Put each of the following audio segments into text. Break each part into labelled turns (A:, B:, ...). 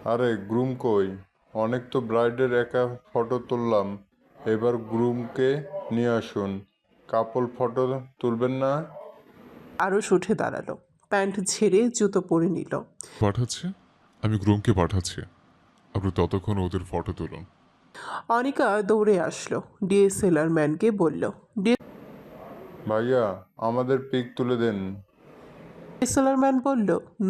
A: আরে গ্রুম কই? অনেক তো ব্রাইডের একা ফটো তুললাম, এবার গ্রুমকে নিয়ে আসুন। কাপল ফটো তুলবেন না?
B: আরশ উঠে দাঁড়ালো, প্যান্ট ঝেড়ে জুতো পরে নিল।
C: পাঠাচ্ছে, আমি গ্রুমকে পাঠাচ্ছি। আপনি ততক্ষণ ওদের ফটো তুলুন।
B: অনিকা দৌড়ে আসলো, ডিএসএলআর ম্যানকে বলল।
A: ভাইয়া, আমাদের পিক তুলে দেন।
B: ডিএসএলআর ম্যান বলল,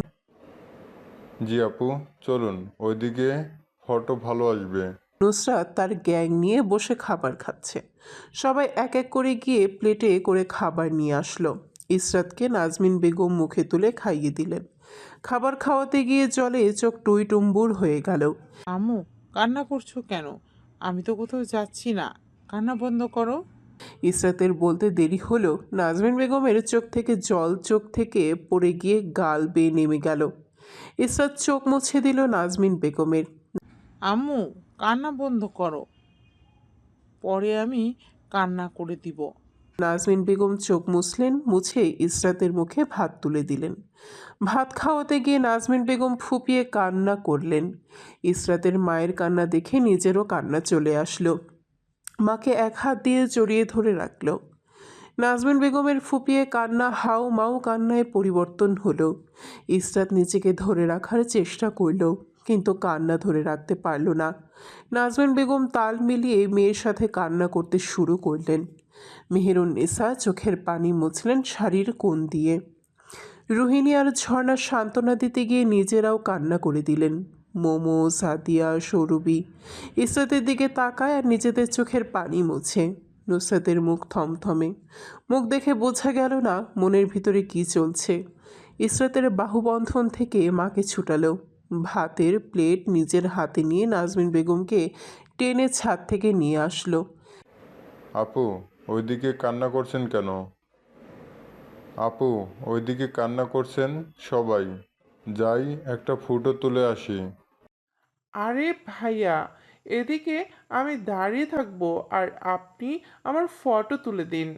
A: জি আপু, চলুন ওইদিকে, ফটো ভালো আসবে।
B: নুসরাত তার গ্যাং নিয়ে বসে খাবার খাচ্ছে। সবাই এক এক করে গিয়ে প্লেটে করে খাবার নিয়ে আসলো। ইসরাতকে নাজমিন বেগম মুখে তুলে খাইয়ে দিলেন। খাবার খাওয়াতে গিয়ে জলে চোখ টুইটুম্বুর হয়ে গেল।
D: আম্মু, কান্না করছো কেন? আমি তো কোথাও যাচ্ছি না। কান্না বন্ধ করো।
B: ইসরাতের বলতে দেরি হলো, নাজমিন বেগমের চোখ থেকে জল চোখ থেকে পড়ে গিয়ে গাল বেয়ে নেমে গেল। ইসরাত চোখ মুছে দিল নাজমিন বেগমের।
D: আম্মু, কান্না বন্ধ করো, পরে আমি কান্না করে দিব।
B: নাজমিন বেগম চোখ মুছলেন, মুছে ইসরাতের মুখে ভাত তুলে দিলেন। ভাত খাওয়াতে গিয়ে নাজমিন বেগম ফুপিয়ে কান্না করলেন। ইসরাতের মায়ের কান্না দেখে নিজেরও কান্না চলে আসলো। মাকে এক হাত দিয়ে জড়িয়ে ধরে রাখল। নাজমিন বেগমের ফুপিয়ে কান্না হাউ মাউ কান্নায় পরিবর্তন হলো। ইসরাত নিজেকে ধরে রাখার চেষ্টা করল, কিন্তু কান্না ধরে রাখতে পারল না। নাজমিন বেগম তাল মিলিয়ে মেয়ের সাথে কান্না করতে শুরু করলেন। মেহেরুন্নেসা চোখের পানি মুছলেন শাড়ির কোণ দিয়ে। রোহিণী আর ঝর্ণা সান্ত্বনা দিতে গিয়ে নিজেরাও কান্না করে দিলেন। মোমো, সাদিয়া, সৌরভী ইসরাতের দিকে তাকায় আর নিজেদের চোখের পানি মুছে। নুসরাতের মুখ থমথমে, মুখ দেখে বোঝা গেল না মনের ভিতরে কি চলছে। ইসরাতের বাহুবন্ধন থেকে মাকে ছুটালো। ভাতের প্লেট নিজের হাতে নিয়ে নাজমিন বেগমকে টেনে ছাদ থেকে নিয়ে আসলো।
A: আপু, ওইদিকে কান্না করছেন কেন? আপু, ওইদিকে কান্না করছেন সবাই। যাই একটা ফটো তুলে আসি।
D: আরে ভাইয়া, এদিকে আমি দাঁড়িয়ে থাকবো আর আপনি আমার ফটো তুলে দিন।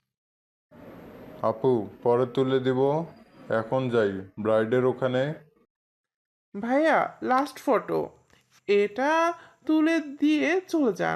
A: আপু, পরে তুলে দিব, এখন যাই ব্রাইডের ওখানে।
D: ভাইয়া, লাস্ট ফটো, এটা তুলে দিয়ে চলে যান।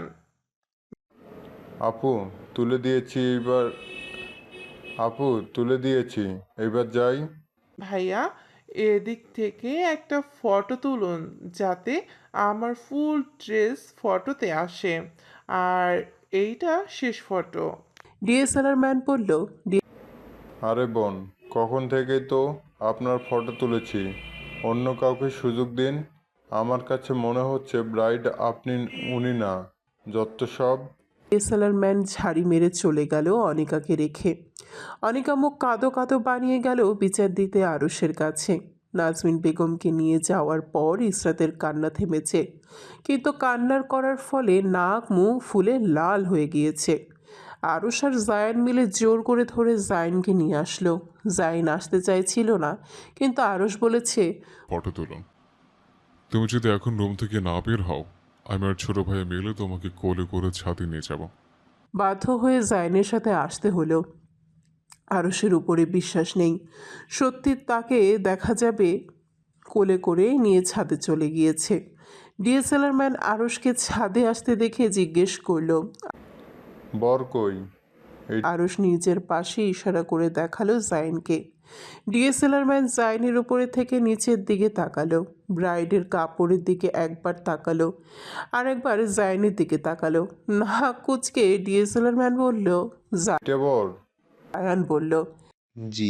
A: আপু, তুলে দিয়েছি এবার। আপু, তুলে দিয়েছি, এবার যাই।
D: ভাইয়া, এদিক থেকে একটা ফটো তুলুন যাতে আমার ফুল ড্রেস ফটোতে আসে। আর এইটা শেষ ফটো।
B: ডিএসএলআর ম্যান বলল,
A: আরে বোন, কখন থেকে তো আপনার ফটো তুলেছি, অন্য কাউকে সুযোগ দিন। আমার কাছে মনে হচ্ছে ব্রাইড আপনি, উনি না, যত সব।
B: ডিএসএলআর ম্যান ঝাড়ি মেরে চলে গেল অনিকাকে রেখে। অনিকা মুখ কাঁদো কাঁদো বানিয়ে গেল বিচার দিতে আরুষের কাছে। নাজমিন বেগমকে নিয়ে যাওয়ার পর ইসরাতের কান্না থেমেছে, কিন্তু কান্নার করার ফলে নাক মুখ ফুলে লাল হয়ে গিয়েছে। আরুষ আর জায়ান মিলে জোর করে ধরে জাইনকে নিয়ে আসলো। জাইন আসতে চাইছিল না, কিন্তু আরুষ বলেছে,
C: ফটো তুলুন। তুমি যদি এখন রুম থেকে না বের হও, আমি আর ছোট ভাই মিলে তোমাকে কোলে করে ছাদে নিয়ে যাব।
B: বাধ্য হয়ে জাইনের সাথে আসতে হলো। আরশের উপরে বিশ্বাস নেই সত্যি তাকে দেখা যাবে। কোলে করে নিয়ে ছাদে চলে গিয়েছে। ডিএসএলআর ম্যান আরশকে ছাদে আসতে দেখে জিজ্ঞেস করলো।
A: বর কই? এই
B: আরশ নিজের পাশে ইশারা করে দেখালো জাইনকে। ডিএসএলআর ম্যান জাইনের উপরে থেকে নিচের দিকে তাকালো, ব্রাইডের কাপড়ের দিকে একবার তাকালো, আর একবার জাইনের দিকে তাকালো। নাক কুচকে ডিএসএলআর ম্যান বলল,
A: এটা বর?
B: জায়ান বলল,
E: জি।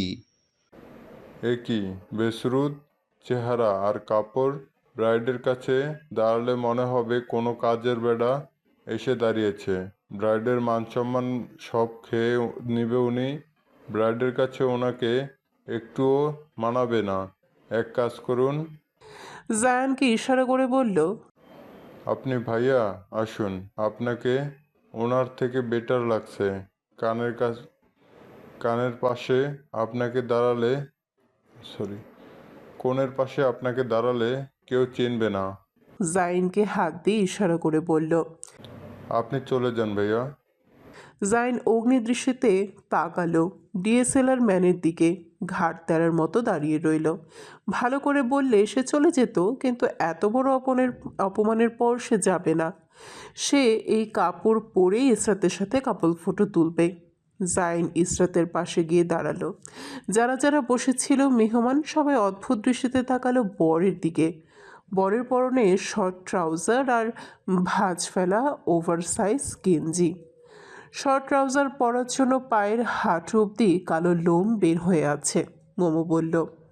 A: এ কি বেসরুদ চেহারা আর কাপড়! ব্রাইডের কাছে দাঁড়ালে মনে হবে কোনো কাজের বেড়া এসে দাঁড়িয়েছে। ব্রাইডের মানসম্মান সব খেয়ে নিবে উনি। ব্রাইডের কাছে ওনাকে একটুও মানাবে না। এক কাজ করুন,
B: জায়ানকে ইশারা করে বলল,
A: আপনি ভাইয়া আসুন, আপনাকে ওনার থেকে বেটার লাগছে। কানের কাছ কানের পাশে আপনাকে দাঁড়ালে, সরি, কোণের পাশে আপনাকে দাঁড়ালে কেউ চিনবে না।
B: জাইনকে হাত দিয়ে ইশারা করে বলল।
A: আপনি চলে যান ভাইয়া।
B: জাইন অগ্নিদৃষ্টিতে তাকালো। ডিএসএলআর ম্যানের দিকে ঘাড় তেরার মতো দাঁড়িয়ে রইল। ভালো করে বললে সে চলে যেত, কিন্তু এত বড় অপমানের পর সে যাবে না। সে এই কাপড় পরেই ইসরাতের সাথে কাপল ফটো তুলবে। জাইন ইসরাতের পাশে গিয়ে দাঁড়ালো। যারা যারা বসেছিল মেহমান সবাই অদ্ভুত দৃষ্টিতে তাকালো বরের দিকে। বরের পরনে শর্ট ট্রাউজার আর ভাঁজ ফেলা ওভারসাইজ গেঞ্জি। শর্ট ট্রাউজার পরার জন্য পায়ের হাঁটু অবধি কালো লোম বের হয়ে আছে। মোমো বলল,